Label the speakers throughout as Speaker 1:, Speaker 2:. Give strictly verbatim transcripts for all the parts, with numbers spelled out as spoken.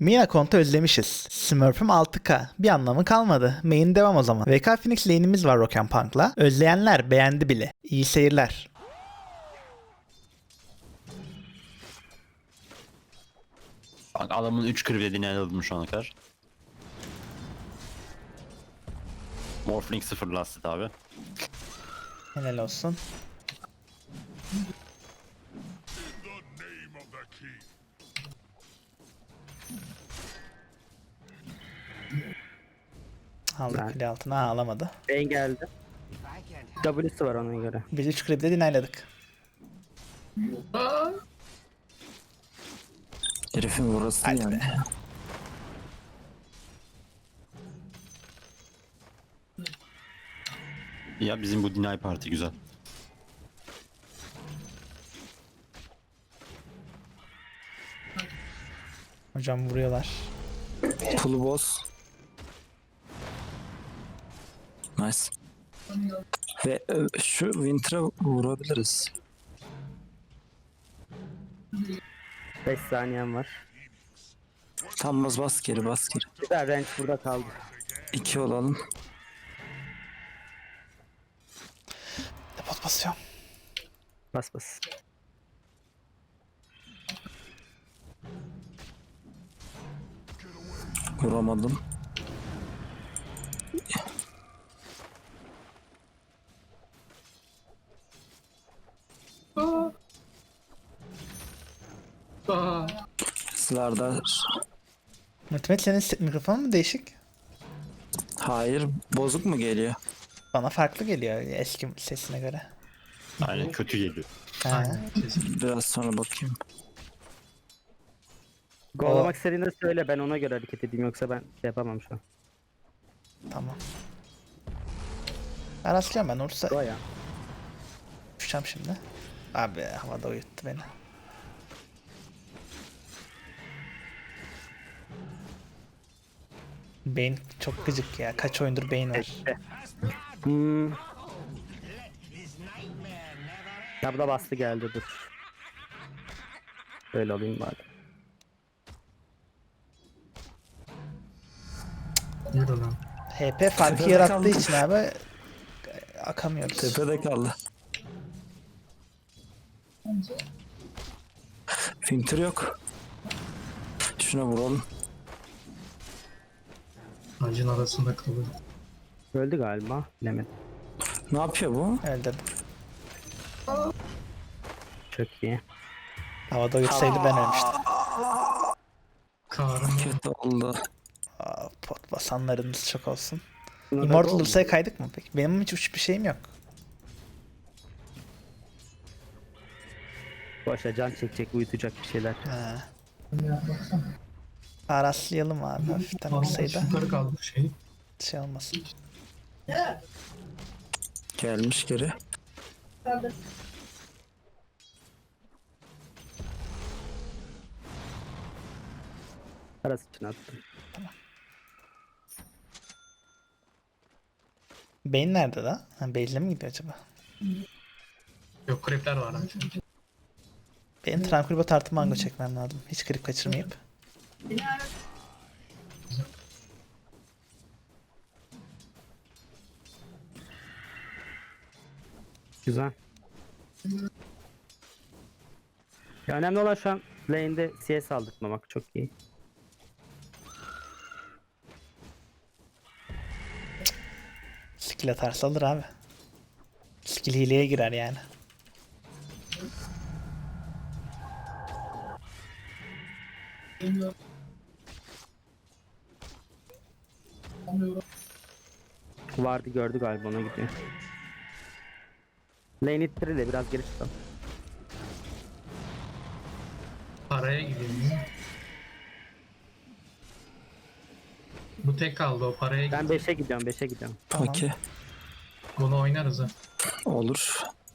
Speaker 1: Mina Kont'u özlemişiz. Smurf'üm altı K. Bir anlamı kalmadı. Main devam o zaman. V K Phoenix lane'imiz var Rock and Punk'la. Özleyenler beğendi bile. İyi seyirler.
Speaker 2: Bak adamın üç krivlediğini aldım şu ana kadar. Morphling sıfır lastit abi.
Speaker 1: Helal olsun. Aldık
Speaker 3: Ben-
Speaker 1: kule altına. Ha, alamadı.
Speaker 3: Ben geldi. W'si var ona göre.
Speaker 1: Biz üç kripte dinayladık.
Speaker 4: Herifin burası
Speaker 1: Hadi
Speaker 4: yani.
Speaker 1: be.
Speaker 2: Ya bizim bu deny parti güzel.
Speaker 1: Hocam vuruyorlar.
Speaker 4: Pulu boss. Nice. Ve e, şu Winter'a vurabiliriz.
Speaker 3: beş saniyem var.
Speaker 4: Tam bas bas geri bas geri.
Speaker 3: Güzel range burada kaldı.
Speaker 4: İki olalım.
Speaker 1: Depot basıyorum.
Speaker 3: Bas bas.
Speaker 4: Vuramadım. Slardar.
Speaker 1: Multimet senin se- mikrofonun mu değişik?
Speaker 4: Hayır, bozuk mu geliyor?
Speaker 1: Bana farklı geliyor eski sesine göre.
Speaker 2: Aynen kötü geliyor.
Speaker 1: Ha.
Speaker 4: Biraz sonra bakayım.
Speaker 3: Gollamak istediğinde söyle, ben ona göre hareket edeyim, yoksa ben şey yapamam şu an.
Speaker 1: Tamam. Ben rastlıyorum ben olursa
Speaker 3: Go ya.
Speaker 1: düşeceğim şimdi. Abi havada uyuttu beni. Beyin çok gıcık ya. Kaç oyundur beyin var.
Speaker 3: Hmm. Ya bu da bastı geldi, dur. Böyle alayım bari.
Speaker 1: H P farkı
Speaker 4: Tepede
Speaker 1: yarattığı
Speaker 4: kaldı.
Speaker 1: için abi akamıyoruz.
Speaker 4: Tepede kaldı. Winter yok. Şuna vuralım.
Speaker 5: Ağacın arasında kalıyor.
Speaker 3: Öldü galiba, bilemedim.
Speaker 4: Ne yapıyor bu?
Speaker 1: Öldürdüm.
Speaker 3: Çok iyi.
Speaker 1: Havada uyutsaydı ben ölmüştüm.
Speaker 5: Karım
Speaker 4: Kötü oldu.
Speaker 1: Aa, pot basanlarınız çok olsun.
Speaker 3: Buna da
Speaker 1: Immortal
Speaker 3: gol mu?
Speaker 1: Ulusa'ya kaydık mı peki? Benim hiç uç bir şeyim yok.
Speaker 3: Boşa can çekecek, uyutacak bir şeyler.
Speaker 1: Ha. Araslayalım abi hafiften
Speaker 5: Vallahi
Speaker 1: olsaydı.
Speaker 5: yukarı kaldı şey.
Speaker 1: Şey olmasın.
Speaker 4: Gelmiş geri.
Speaker 3: Arası için attım.
Speaker 1: Beyin nerede la? Ha, Beyin'le mi gidiyor acaba?
Speaker 5: Yok krepler var lan çünkü.
Speaker 1: Benim Tranquil Bot artı mango çekmem lazım. Hiç krip kaçırmayıp.
Speaker 3: Güzel. Ya önemli olan şu an lane'de C S aldırtmamak, çok iyi.
Speaker 1: Skill atarsa alır abi. Skill hileye girer yani.
Speaker 3: Vardı, gördü galiba, ona gidiyor. Lane ittirir de biraz geri çıkalım.
Speaker 5: Paraya gideyim. Bu tek kaldı, o paraya
Speaker 3: Ben
Speaker 5: gidiyor.
Speaker 3: beşe gidiyorum, beşe gidiyorum.
Speaker 1: Tamam.
Speaker 4: Okey.
Speaker 5: Bunu oynarız ha.
Speaker 4: Olur.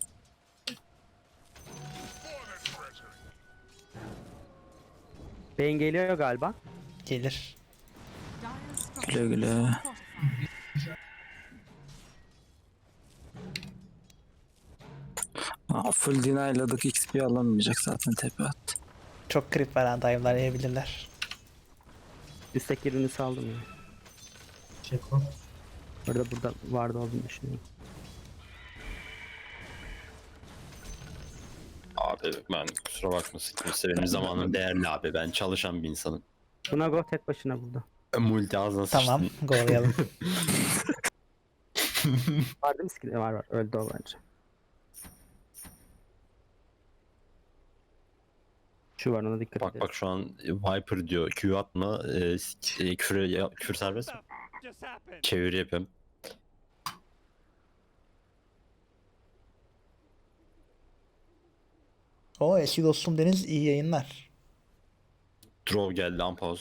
Speaker 3: Beyin geliyor galiba.
Speaker 1: Gelir.
Speaker 4: Güle güle. Aa, full deny'ladık, X P alamayacak zaten, tepe attı.
Speaker 1: Çok krip var ha. Dive'lar yiyebilirler.
Speaker 3: Üstteki ürünü saldım ya.
Speaker 5: Çek o.
Speaker 3: Burada burada vardı olduğunu düşünüyorum.
Speaker 2: Abi ben kusura bakmasın kimse benim zamanım değerli abi. Ben çalışan bir insanım.
Speaker 3: Buna go tek başına burada.
Speaker 2: Multi ağzına
Speaker 1: Tamam,
Speaker 2: sıçtın.
Speaker 1: go'layalım.
Speaker 3: Var değil mi skill? Var var. Öldü o bence. Şu var ona dikkat
Speaker 2: Bak
Speaker 3: edin.
Speaker 2: bak şu an Viper diyor Q atma e, s- e, küfür, ya, küfür serbest mi? Çeviri yapayım.
Speaker 1: O eski dostum Deniz iyi yayınlar.
Speaker 2: Draw geldi unpause.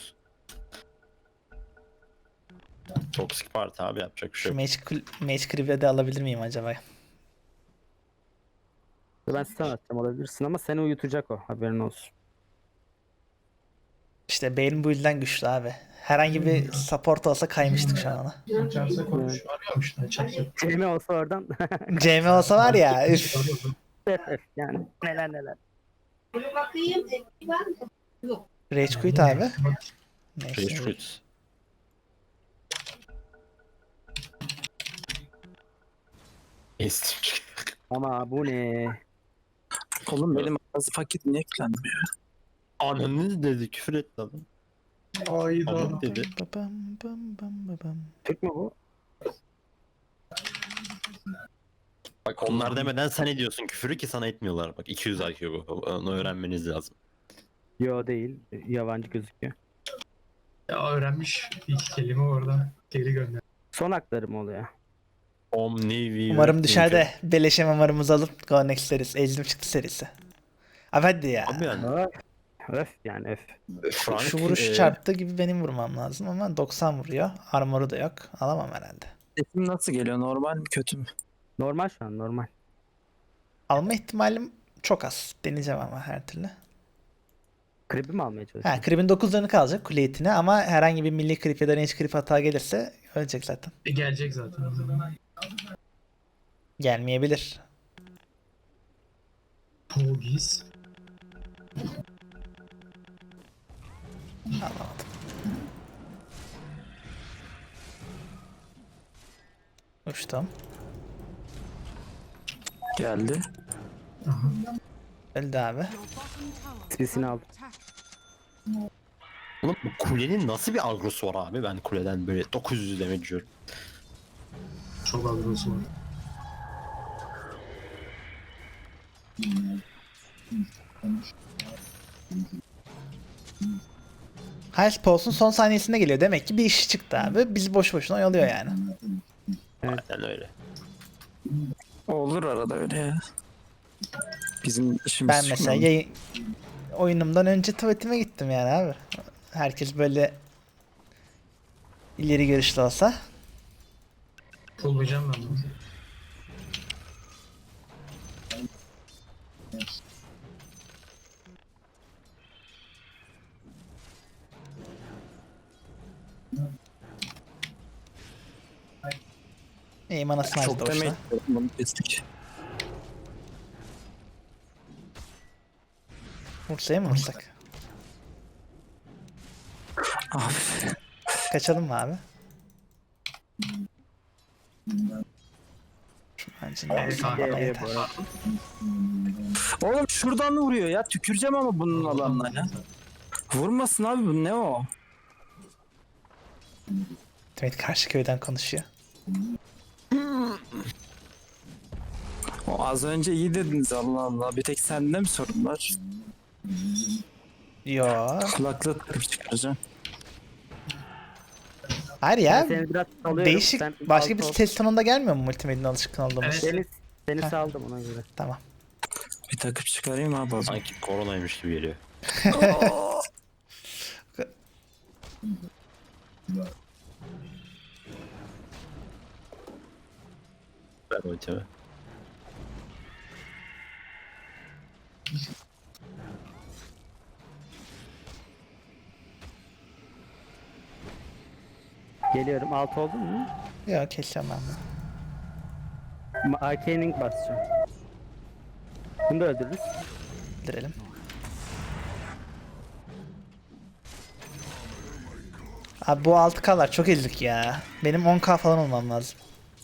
Speaker 2: Toxic party abi yapacak bir şey
Speaker 1: Şu
Speaker 2: yok.
Speaker 1: Mage, Cl- Mage Creep'e de alabilir miyim acaba?
Speaker 3: Ben stun atacağım olabilirsin ama seni uyutacak o. Haberin olsun.
Speaker 1: İşte Bane bu yüzden güçlü abi. Herhangi bir support olsa kaymıştık şu an ona.
Speaker 5: Açarsa konuş. Arıyormuş da açarsa.
Speaker 3: Cem'i olsa oradan.
Speaker 1: C M olsa var ya üf.
Speaker 3: yani neler neler.
Speaker 1: Rage quit abi. Neyse.
Speaker 2: Rage quit. Estim.
Speaker 3: Ama bu ne?
Speaker 4: Oğlum benim ağzı paket niye eklenmiyor?
Speaker 2: Ananı dedi küfür etti adam.
Speaker 5: Ayda.
Speaker 2: Ananı dedi.
Speaker 1: Babam, bam, bam, babam.
Speaker 3: Türk mü bu?
Speaker 2: Bak onlar demeden sen ediyorsun küfürü ki sana etmiyorlar. Bak iki yüz I Q bu. Onu öğrenmeniz lazım.
Speaker 3: Yo değil. Yabancı gözüküyor.
Speaker 5: Ya öğrenmiş bir iki kelime oradan geri gönder.
Speaker 3: Son hakları mı oluyor?
Speaker 2: Omni
Speaker 1: Umarım dışarıda beleşe mamarımızı alıp Go Next serisi. Ezdim çıktı serisi. Abi hadi ya.
Speaker 2: Abi yani
Speaker 3: Öf. Öf yani öf.
Speaker 2: Frank,
Speaker 1: Şu vuruş
Speaker 2: e,
Speaker 1: çarptı gibi benim vurmam lazım ama doksan vuruyor. Armoru da yok. Alamam herhalde.
Speaker 4: Sesim nasıl geliyor? Normal mi kötü mü?
Speaker 3: Normal şu an normal.
Speaker 1: Alma ihtimalim çok az. Deneyeceğim ama her türlü.
Speaker 3: Creep'i mi almaya
Speaker 1: Ha,
Speaker 3: çalışıyorsun?
Speaker 1: Creep'in dokuz canı kalacak kule etine ama herhangi bir milli creep ya da range creep hata gelirse ölecek zaten.
Speaker 5: E, gelecek zaten.
Speaker 1: Gelmeyebilir.
Speaker 5: Pogis.
Speaker 1: Anlamadım. Uçtum.
Speaker 4: Geldi.
Speaker 1: Öldü abi.
Speaker 3: Spisini aldım.
Speaker 2: Oğlum bu kulenin nasıl bir agrosu var abi? Ben kuleden böyle dokuz yüz demek diyorum.
Speaker 5: Çok agrosu var.
Speaker 1: Highest Pulse'un son saniyesinde geliyor. Demek ki bir iş çıktı abi. Bizi boş boşuna oyalıyor yani.
Speaker 2: Aynen öyle.
Speaker 4: Olur arada öyle ya. Bizim işimiz
Speaker 1: Ben mesela
Speaker 4: çıkmıyor.
Speaker 1: yayın... oyunumdan önce tuvaletime gittim yani abi. Herkes böyle ileri görüşlü olsa.
Speaker 5: Pullayacağım ben bunu.
Speaker 1: İyi anasını açtı
Speaker 4: Çok demek
Speaker 1: boşuna.
Speaker 4: istiyorum bunu kestik.
Speaker 1: Vursaya mı vursak?
Speaker 4: Abi.
Speaker 1: Kaçalım mı abi? Şu mancınığı
Speaker 5: Kanka,
Speaker 1: yeter.
Speaker 4: Oğlum şuradan vuruyor ya. Tüküreceğim ama bunun alanına ya. Vurmasın abi bu ne o?
Speaker 1: Demet karşı köyden konuşuyor.
Speaker 4: O az önce iyi dediniz Allah Allah. Bir tek sende mi sorun var?
Speaker 1: Yo.
Speaker 4: Kulaklığı takıp çıkaracağım.
Speaker 1: Hayır
Speaker 3: Ben
Speaker 1: ya.
Speaker 3: seni biraz salıyorum.
Speaker 1: Değişik.
Speaker 3: Sen
Speaker 1: Başka bir
Speaker 3: alt ol.
Speaker 1: ses tonunda gelmiyor mu multimedyanın alışkın olduğumuz?
Speaker 5: Evet.
Speaker 3: Seni, seni
Speaker 1: Heh.
Speaker 3: saldım ona göre.
Speaker 1: Tamam.
Speaker 4: Bir takıp çıkarayım abi o zaman.
Speaker 2: Sanki koronaymış gibi geliyor. Ben ultimi.
Speaker 3: Geliyorum. Alt oldun mu?
Speaker 1: Yok keseceğim ben bunu.
Speaker 3: Ma- Arcaning basacağım. Bunu da öldürürüz.
Speaker 1: Öldürelim. Abi bu altı K'lar çok ezik ya. Benim on K falan olmam lazım.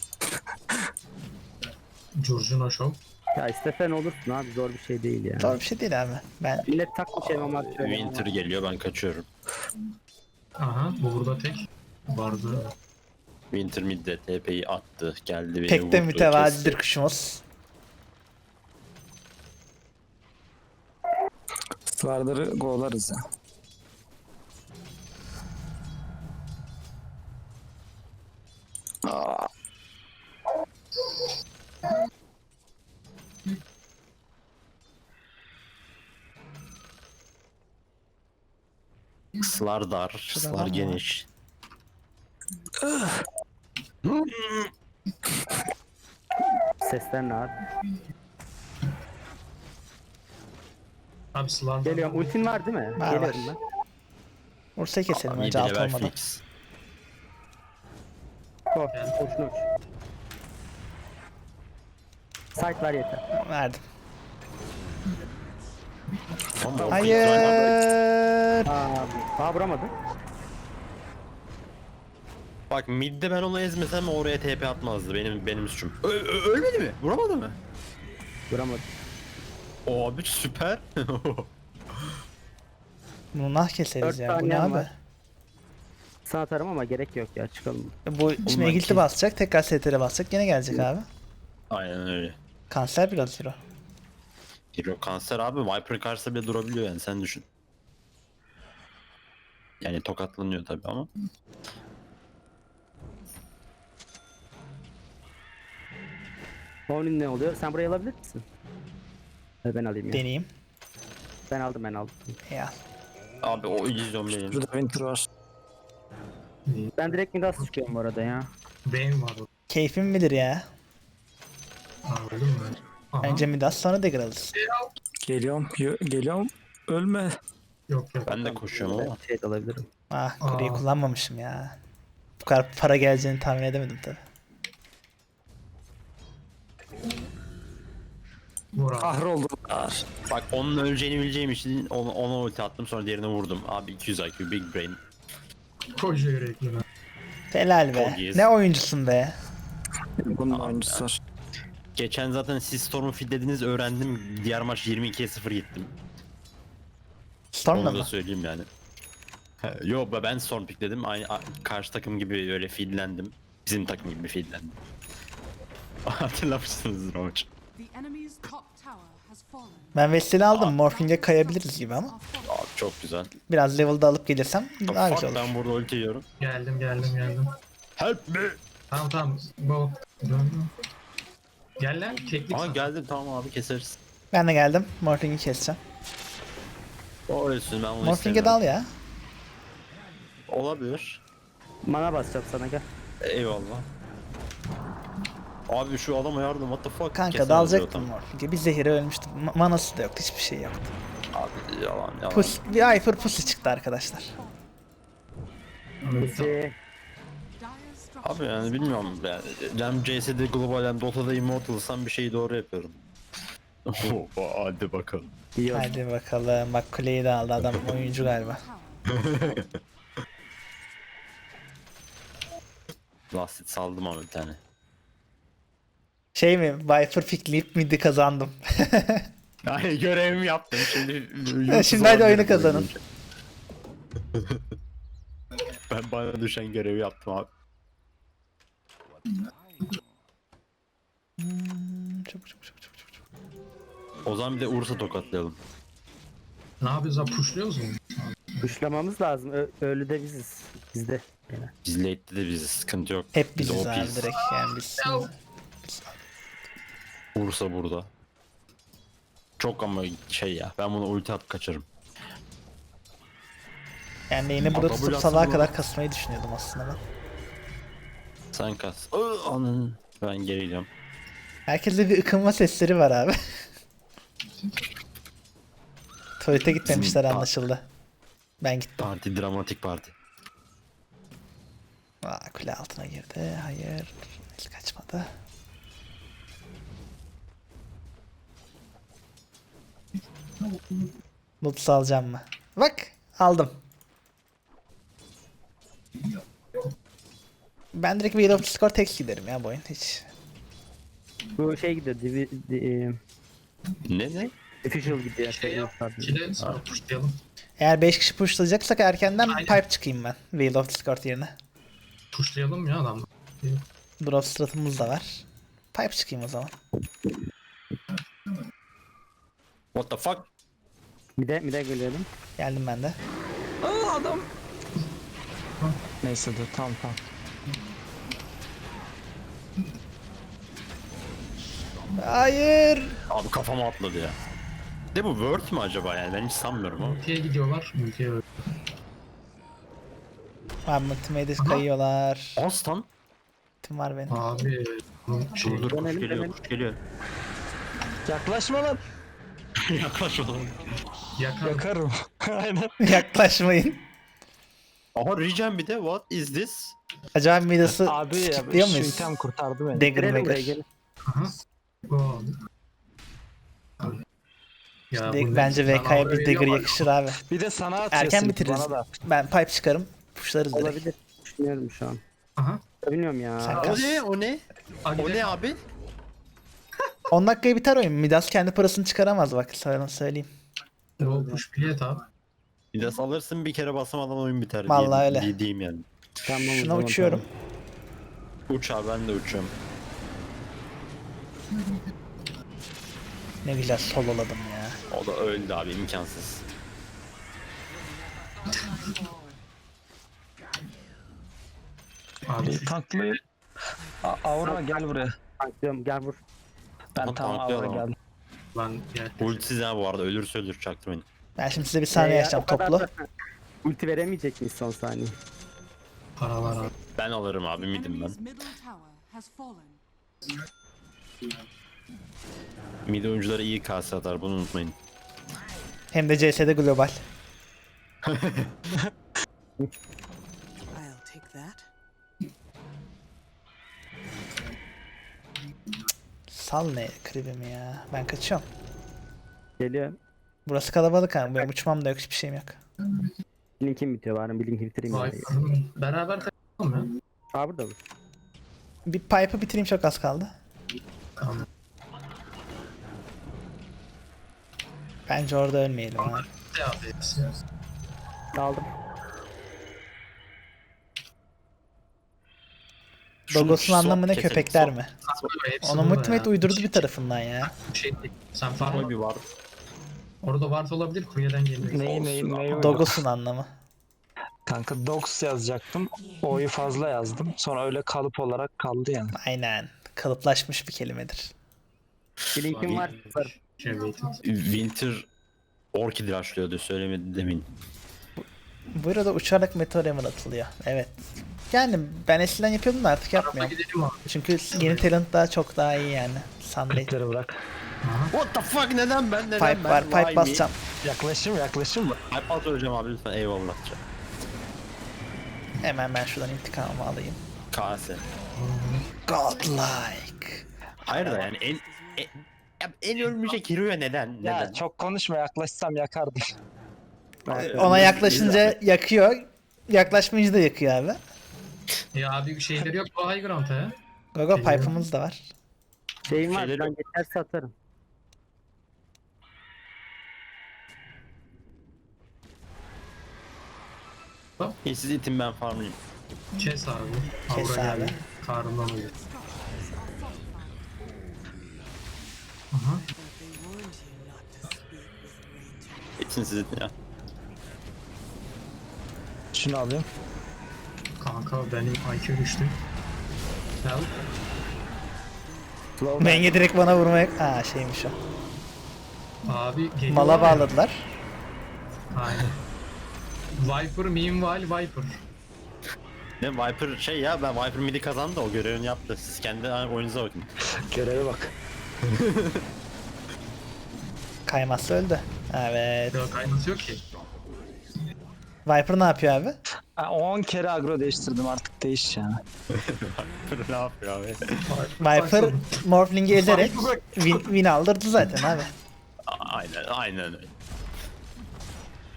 Speaker 5: Curcuna Show.
Speaker 3: Ya istesen olursun abi, zor bir şey değil ya.
Speaker 1: Zor bir şey değil abi. Ben
Speaker 3: Millet takmış elmamak şöyle.
Speaker 2: Winter geliyor, ben kaçıyorum.
Speaker 5: Aha bu burada tek. Vardı.
Speaker 2: Winter midde T P'yi attı. Geldi beni
Speaker 1: pek de
Speaker 2: vurdu,
Speaker 1: mütevazidir
Speaker 2: kesti.
Speaker 1: kuşumuz.
Speaker 4: Slardır'ı golarız ya. Aa,
Speaker 2: Slar dar,
Speaker 1: Şurada var
Speaker 2: slar
Speaker 1: mı?
Speaker 2: geniş.
Speaker 3: Sesler ne abi?
Speaker 5: Abi Slar'dan.
Speaker 3: Geliyorum. Ultin var değil mi?
Speaker 1: Var,
Speaker 3: Geliyorum
Speaker 1: var.
Speaker 3: ben.
Speaker 1: Ursa'yı keselim
Speaker 2: Abi
Speaker 1: önce
Speaker 2: yedi
Speaker 1: alt
Speaker 2: level
Speaker 1: olmadan.
Speaker 2: fix.
Speaker 3: Koş. Koşun uç. Site var yeter.
Speaker 1: Verdim.
Speaker 2: Ama o
Speaker 1: Hayır.
Speaker 3: Abi. Aa vuramadı.
Speaker 2: Bak midde ben onu ezmesem oraya T P atmazdı. Benim benim suçum. Ö- ö- ölmedi mi? Vuramadı mı?
Speaker 3: Vuramadı.
Speaker 2: O abi süper.
Speaker 1: Bunu nah keseriz
Speaker 3: Dört
Speaker 1: ya. Bu ne
Speaker 3: saniyem
Speaker 1: abi?
Speaker 3: var. Sana atarım ama gerek yok ya, çıkalım.
Speaker 1: Bu şimdi
Speaker 2: ben
Speaker 1: Egilt'i
Speaker 2: kes-
Speaker 1: basacak. Tekrar S T R basacak. Gene gelecek abi.
Speaker 2: Aynen öyle.
Speaker 1: Kanser biraz hero.
Speaker 2: Hero kanser abi, Viper karşısında bile durabiliyor yani, sen düşün. Yani tokatlanıyor tabi ama.
Speaker 3: Onun ne oluyor? Sen burayı alabilir misin? Ee, Ben alayım ya.
Speaker 1: Deneyeyim.
Speaker 3: Ben aldım ben aldım.
Speaker 1: Ya.
Speaker 2: Abi o illüzyon benim.
Speaker 4: burada Winter var.
Speaker 3: Ben direkt Midas çıkıyorum bu arada ya.
Speaker 5: Benim var.
Speaker 1: Keyfim bilir ya.
Speaker 5: Aa öldüm mü? Aha.
Speaker 1: Önce Midas sonra Dagger alırız.
Speaker 4: Geliyorum, yo- geliyorum. Ölme.
Speaker 5: Yok yok.
Speaker 2: Ben de koşuyorum ama.
Speaker 3: Şey de alabilirim.
Speaker 1: Ah kuleyi
Speaker 5: Aa.
Speaker 1: kullanmamışım ya. Bu kadar para geleceğini tahmin edemedim tabi.
Speaker 5: Vur abi.
Speaker 4: Kahroldular.
Speaker 2: Bak onun öleceğini bileceğim için ona, ona ulti attım, sonra diğerine vurdum. Abi iki yüz I Q, big brain.
Speaker 5: Koca yürekli ben.
Speaker 1: Helal be.
Speaker 2: Çok iyiyiz.
Speaker 1: Ne oyuncusun be.
Speaker 4: Bunun oyuncusu var.
Speaker 2: Geçen zaten siz Storm'u feedlediniz, öğrendim. Diğer maç yirmi ikiye sıfır gittim.
Speaker 1: Storm'la
Speaker 2: Onu da
Speaker 1: mı?
Speaker 2: söyleyeyim yani. He, Yo ben Storm pickledim. Aynı a- karşı takım gibi öyle feedlendim. Bizim takım gibi feedlendim. Hatırlamışsınızdır o maç.
Speaker 6: The enemy's top tower has fallen.
Speaker 1: Ben Vestel'i aldım. Morphing'e kayabiliriz gibi ama.
Speaker 2: Abi çok güzel.
Speaker 1: Biraz level'da alıp gelirsem daha
Speaker 2: Fuck,
Speaker 1: güzel olur.
Speaker 2: ben burada ulti yiyorum.
Speaker 5: Geldim geldim geldim.
Speaker 2: Help me.
Speaker 5: Tamam tamam. Bu. Dön. Gel lan. Keklik
Speaker 2: Aa
Speaker 5: sana.
Speaker 2: geldim, tamam abi keseriz.
Speaker 1: Ben de geldim. Morphing'i keseceğim.
Speaker 2: O ölsün, ben onu
Speaker 1: Morphing'e dal
Speaker 2: istemiyorum.
Speaker 1: ya.
Speaker 2: Olabilir.
Speaker 3: Mana basacağım sana, gel.
Speaker 2: Eyvallah. Abi şu adama yardım, what the fuck.
Speaker 1: Kanka
Speaker 2: Kesemez
Speaker 1: dalacaktım
Speaker 2: diyor
Speaker 1: Morphing'e. Bir zehire ölmüştüm. Ma- manası da yoktu. Hiçbir şey yoktu.
Speaker 2: tam. Abi yalan yalan.
Speaker 1: Pus, bir Viper pussy çıktı arkadaşlar.
Speaker 3: Bizi
Speaker 6: Dire structures
Speaker 2: Abi yani bilmiyorum yani. Hem C S'de global hem Dota'da immortalsam bir şeyi doğru yapıyorum. Oha, hadi bakalım.
Speaker 3: iyi oldu.
Speaker 1: Hadi bakalım. Bak kuleyi de aldı adam. Oyuncu galiba.
Speaker 6: tower.
Speaker 2: Lastit saldım ama bir tane.
Speaker 1: Şey mi? Viper pickleyip midi kazandım.
Speaker 2: Yani görevimi yaptım şimdi.
Speaker 1: Şimdi hadi oyunu kazanın.
Speaker 2: Ben bana düşen görevi yaptım abi.
Speaker 1: Hmm, Çabuk çabuk çabuk çabuk çabuk.
Speaker 2: O zaman bir de Ursa tokatlayalım.
Speaker 5: Ne yapıyoruz abi? Pushluyoruz mu?
Speaker 3: Kuşlamamız lazım. Ö- ölü de biziz. Bizde. Yani.
Speaker 2: Biz late'de de biziz, sıkıntı yok.
Speaker 1: Hep
Speaker 2: Biz
Speaker 1: biziz abi
Speaker 2: O P'yiz.
Speaker 1: direkt yani biz.
Speaker 2: Ursa burada. Çok ama şey ya, ben bunu ulti atıp kaçarım.
Speaker 1: Yani yine burada
Speaker 2: Adamı
Speaker 1: tutup
Speaker 2: yapsın
Speaker 1: sabaha
Speaker 2: bu.
Speaker 1: kadar kasmayı düşünüyordum aslında ben.
Speaker 2: Sen kas. Iı, Anın. Ben geri gidiyorum.
Speaker 1: Herkeste bir ıkınma sesleri var abi. Tuvalete gitmemişler
Speaker 2: Bizim-
Speaker 1: anlaşıldı. Ben gittim.
Speaker 2: Parti, dramatik parti.
Speaker 1: Aa, kule altına girdi. Hayır. Hiç kaçmadı. Loot alacağım mı? Bak aldım. Ben direkt Wheel of Discord tek giderim ya bu oyun hiç.
Speaker 3: Bu şey gidiyor. Divi, di, e,
Speaker 2: Ne ne?
Speaker 3: official gidiyor.
Speaker 5: Şey yap.
Speaker 3: Pardon.
Speaker 5: İkide sonra pushlayalım.
Speaker 1: Eğer beş kişi pushlayacaksak erkenden
Speaker 5: Aynen.
Speaker 1: pipe çıkayım ben Wheel of Discord yerine.
Speaker 5: Pushlayalım ya adam.
Speaker 1: Drop stratımız da var. Pipe çıkayım o zaman.
Speaker 2: What the fuck?
Speaker 3: Bir de bir de geliyorum.
Speaker 1: Geldim ben de.
Speaker 4: Aa adam. Neyse dur tamam tamam.
Speaker 1: Hayır.
Speaker 2: Abi kafama atladı ya. De bu Word mü acaba yani? Ben hiç sanmıyorum ama.
Speaker 5: Ülkeye gidiyorlar. Ülkeye öyle.
Speaker 1: Abi multimedia kayıyorlar.
Speaker 2: Aslan.
Speaker 1: Tim var benim.
Speaker 5: Abi. Bu şey.
Speaker 2: Dur dur kuş
Speaker 3: Dönelim,
Speaker 2: geliyor
Speaker 3: dönelim.
Speaker 2: kuş geliyor.
Speaker 4: Yaklaşma lan.
Speaker 2: Yaklaş oğlum.
Speaker 5: Yakar.
Speaker 4: Yakarım. Aynen.
Speaker 1: Yaklaşmayın.
Speaker 2: Aha regen bir de what is this?
Speaker 1: Acaba midası
Speaker 4: Abi ya
Speaker 1: kilitliyor
Speaker 4: şu
Speaker 1: muyuz?
Speaker 4: item kurtardı beni.
Speaker 1: Dagger
Speaker 3: Girelim buraya
Speaker 1: Magger.
Speaker 3: gelin.
Speaker 5: Aha. Bu oldu. Ya
Speaker 1: Direkt
Speaker 5: bu ne?
Speaker 1: bence
Speaker 5: Ben
Speaker 1: V K'ya
Speaker 5: oraya
Speaker 1: bir Dagger
Speaker 5: geliyorum.
Speaker 1: yakışır abi.
Speaker 4: Bir de sana atıyor.
Speaker 1: Erken
Speaker 4: Silk,
Speaker 1: bitiririz.
Speaker 4: bana da.
Speaker 1: Ben pipe çıkarım. Pushlarız direkt.
Speaker 3: Olabilir. Düşünüyorum şu an.
Speaker 5: Aha.
Speaker 3: Bilmiyorum ya.
Speaker 1: Sen-
Speaker 2: O ne o ne? O ne abi?
Speaker 1: on dakikaya biter oyun. Midas kendi parasını çıkaramaz bak sana söyleyeyim.
Speaker 5: O push bilet abi.
Speaker 2: Bir de salırsın bir kere basamadan oyun biter.
Speaker 1: Vallahi
Speaker 2: diye,
Speaker 1: öyle.
Speaker 2: diye diyeyim yani.
Speaker 3: Tamam, o
Speaker 1: Şuna
Speaker 3: zaman,
Speaker 1: uçuyorum.
Speaker 2: Uç abi ben de uçuyorum.
Speaker 1: Ne güzel sololadım ya.
Speaker 2: O da öldü abi imkansız.
Speaker 5: Abi
Speaker 4: Bir
Speaker 5: şu
Speaker 4: tanklayayım. A- Aura gel buraya.
Speaker 3: Tanklıyorum, gel vur.
Speaker 4: Ben
Speaker 2: Ama
Speaker 4: tam
Speaker 2: tanklayalım
Speaker 4: Aura
Speaker 2: ama.
Speaker 4: geldim.
Speaker 5: lan gel.
Speaker 2: Ultisiz ha bu arada ölürse ölür çaktırmayın.
Speaker 1: Ben şimdi size bir saniye
Speaker 3: Ee,
Speaker 1: yaşayacağım
Speaker 3: o kadar
Speaker 1: toplu.
Speaker 3: da- Ulti veremeyecek miyiz son saniye?
Speaker 5: Para var abi.
Speaker 2: Ben alırım abi midim ben.
Speaker 6: Enemy's middle tower has fallen.
Speaker 2: Mid oyuncuları iyi kase atar bunu unutmayın.
Speaker 1: Hem de C S'de global.
Speaker 7: I'll take that.
Speaker 1: Sal ne kribimi ya. Ben kaçıyorum.
Speaker 3: Geliyor.
Speaker 1: Burası kalabalık ha. Benim uçmam da yok hiçbir şeyim yok.
Speaker 3: Linkim bitiyor bari, bir linki bitireyim.
Speaker 5: Vay
Speaker 3: yani.
Speaker 5: beraber kaçalım ya.
Speaker 3: Aa, burada olur.
Speaker 1: Bir pipe'ı bitireyim çok az kaldı.
Speaker 5: Tamam.
Speaker 1: Bence orada ölmeyelim abi.
Speaker 5: Ne abi hepsi?
Speaker 3: Aldım.
Speaker 1: Dogos'un
Speaker 2: Şu-
Speaker 1: anlamı ne
Speaker 2: keselim,
Speaker 1: köpekler
Speaker 2: son-
Speaker 1: mi?
Speaker 5: Hepsi
Speaker 1: Onu
Speaker 5: burada
Speaker 1: Multimate
Speaker 5: ya.
Speaker 1: uydurdu bir tarafından ya.
Speaker 5: Şey değil. Sen
Speaker 2: Ama
Speaker 5: farma
Speaker 2: bir var.
Speaker 5: orada varsa olabilir kuryeden geliyor.
Speaker 4: Neyi neyi neyi
Speaker 1: Dogos'un anlamı.
Speaker 4: Kanka Dogs yazacaktım. O'yu fazla yazdım. Sonra öyle kalıp olarak kaldı yani.
Speaker 1: Aynen. Kalıplaşmış bir kelimedir.
Speaker 3: Bir linkim var. var.
Speaker 5: Şey waiting.
Speaker 2: Winter Orchid rushlıyordu söylemedi demin.
Speaker 1: Bu arada uçarak meteor hammer atılıyor. Evet. Yani ben eskiden yapıyordum da artık
Speaker 5: Tarafa
Speaker 1: yapmıyorum.
Speaker 5: gidelim abi.
Speaker 1: Çünkü yeni talent daha çok daha iyi yani. Sunday.
Speaker 4: Klipleri bırak.
Speaker 2: What the fuck neden ben neden
Speaker 1: Pipe
Speaker 2: ben?
Speaker 1: var,
Speaker 2: Why
Speaker 1: pipe
Speaker 2: me?
Speaker 1: basacağım.
Speaker 4: Yaklaşım yaklaşım mı?
Speaker 2: Pipe at öleceğim abi lütfen eyvallah.
Speaker 1: Hemen ben şuradan intikamımı alayım.
Speaker 2: Kase.
Speaker 1: Godlike.
Speaker 2: Hayır da yani en en, en ölmeyecek hero'ya neden?
Speaker 4: Ya
Speaker 2: Neden?
Speaker 4: çok konuşma, yaklaşsam yakardım.
Speaker 1: Ona yaklaşınca yakıyor. Yaklaşmayınca da yakıyor abi.
Speaker 5: Ya abi şeyleri yok bu high ground'a ya.
Speaker 1: Gogo
Speaker 5: Geliyor.
Speaker 1: pipe'ımız da var.
Speaker 3: Şeyim var,
Speaker 2: Şeyleri
Speaker 3: ben
Speaker 2: yok.
Speaker 3: geçerse atarım.
Speaker 2: İyi, siz itin ben farmlayayım.
Speaker 5: Kes abi.
Speaker 1: Kes
Speaker 5: Aura
Speaker 1: abi.
Speaker 5: geldi. Karnından uyuyor. Aha.
Speaker 7: They warned you not to speak with Ranger.
Speaker 2: İtin siz itin ya.
Speaker 4: Şunu alayım.
Speaker 5: Kanka benim I Q düştü. Help.
Speaker 1: Menge direkt bana vurmaya... Aa şeymiş o.
Speaker 5: Abi geliyor.
Speaker 1: Mala bağladılar.
Speaker 5: Aynen. Viper meanwhile Viper.
Speaker 2: Ne Viper şey ya ben Viper midi kazandı o görevini yaptı. Siz kendi oyununuza bakın.
Speaker 4: Göreve bak.
Speaker 1: Kaymazsa öldü. Evet.
Speaker 5: Yok aynısı yok ki.
Speaker 1: Viper ne yapıyor abi?
Speaker 4: Ha, on kere agro değiştirdim, artık değiş yani.
Speaker 2: ne yapıyor abi?
Speaker 1: Viper Morphling'i ezerek win, win aldırdı zaten abi.
Speaker 2: Aynen aynen öyle.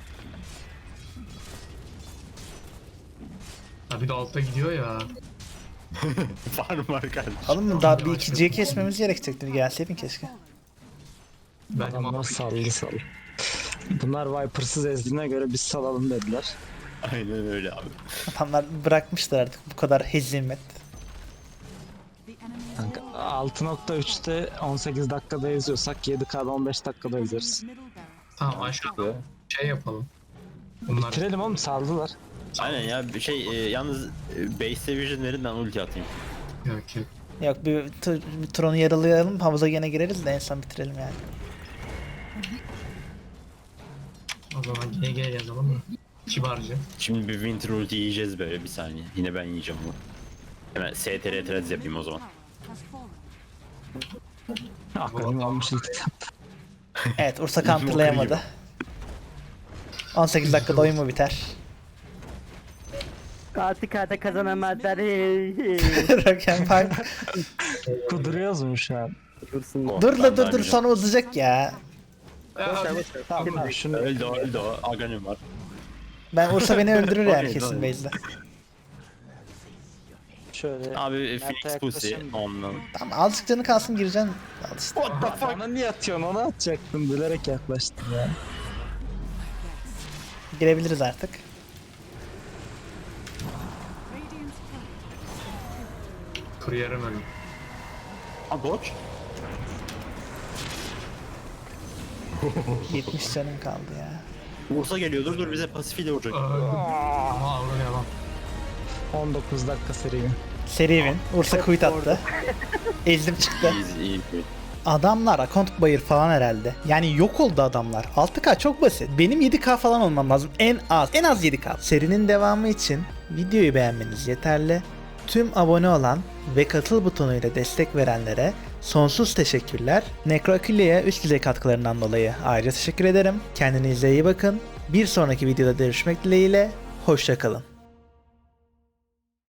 Speaker 5: Ha bir de altta gidiyor ya.
Speaker 2: Farm var kardeşim.
Speaker 1: Oğlum daha bir ikinciye kesmemiz gerekecekti. Gelseydin keşke.
Speaker 5: Benim
Speaker 4: Adamlar
Speaker 5: altı
Speaker 4: saldı saldı. Bunlar Viper'sız ezdiğine göre biz salalım dediler.
Speaker 2: Aynen öyle abi.
Speaker 1: Adamlar bırakmışlar artık bu kadar hezimet.
Speaker 6: The enemy is
Speaker 4: Kanka altı nokta üçte on sekiz dakikada eziyorsak yedi K'da on beş dakikada ezeriz.
Speaker 6: middle barracks.
Speaker 5: Tamam aşağıda şey yapalım. Bunlar
Speaker 4: Bitirelim oğlum saldılar.
Speaker 2: Aynen ya bir şey e, yalnız e, base division verin ben ulti atayım.
Speaker 5: yok yok.
Speaker 1: Yok bir, tur, bir tur onu yaralayalım. Havuza gene gireriz de en son bitirelim yani.
Speaker 5: O zaman G G yazalım mı? Kibarca.
Speaker 2: Şimdi bir winter ulti yiyeceğiz böyle bir saniye. Yine ben yiyeceğim onu. Hemen S T R trades yapayım o zaman.
Speaker 6: Tower has fallen.
Speaker 4: Aklım almış ilk.
Speaker 1: Evet Ursa counterlayamadı. on sekiz dakikada oyun mu biter?
Speaker 3: altı K'da kazanamazlar. Hey, hey.
Speaker 1: Roken Park.
Speaker 4: Kuduruyoruz mu şu an?
Speaker 3: Dursun.
Speaker 2: Oh,
Speaker 1: Dur
Speaker 2: ben
Speaker 1: la dur dur
Speaker 2: vermeyeceğim.
Speaker 1: sonra uzayacak ya.
Speaker 4: Tamam şunu
Speaker 2: Öldü o, öldü o. Aghanim var.
Speaker 1: Ben Ursa beni öldürür yani
Speaker 2: Okey,
Speaker 1: kesin
Speaker 2: tamam.
Speaker 1: base'de.
Speaker 4: şöyle.
Speaker 2: Abi
Speaker 4: Mert'e
Speaker 2: Phoenix Pussy.
Speaker 4: yaklaşayım.
Speaker 2: Ondan.
Speaker 1: Tamam azıcık canı kalsın gireceksin. Al işte.
Speaker 2: What the fuck?
Speaker 4: Bana niye atıyorsun onu atacaktım bilerek yaklaştım ya.
Speaker 1: Girebiliriz artık.
Speaker 6: Radiant's turret
Speaker 5: Kuryerim ölüm.
Speaker 2: Ha Doge.
Speaker 1: yetmiş canım kaldı ya.
Speaker 2: Ursa geliyor dur dur bize pasifiyle vuracak.
Speaker 5: Ama Avru devam.
Speaker 4: on dokuz dakika seri.
Speaker 1: Seri win. Ursa quit attı. Ezdim çıktı.
Speaker 2: İyi iyi. iyi.
Speaker 1: Adamlar account bayır falan herhalde. Yani yok oldu adamlar. altı K çok basit. Benim yedi K falan olmam lazım. En az. En az yedi K. Serinin devamı için videoyu beğenmeniz yeterli. Tüm abone olan ve katıl butonuyla destek verenlere sonsuz teşekkürler. Necroaquilia'ya üst düzey katkılarından dolayı ayrıca teşekkür ederim. Kendinize iyi bakın. Bir sonraki videoda görüşmek dileğiyle. Hoşça kalın.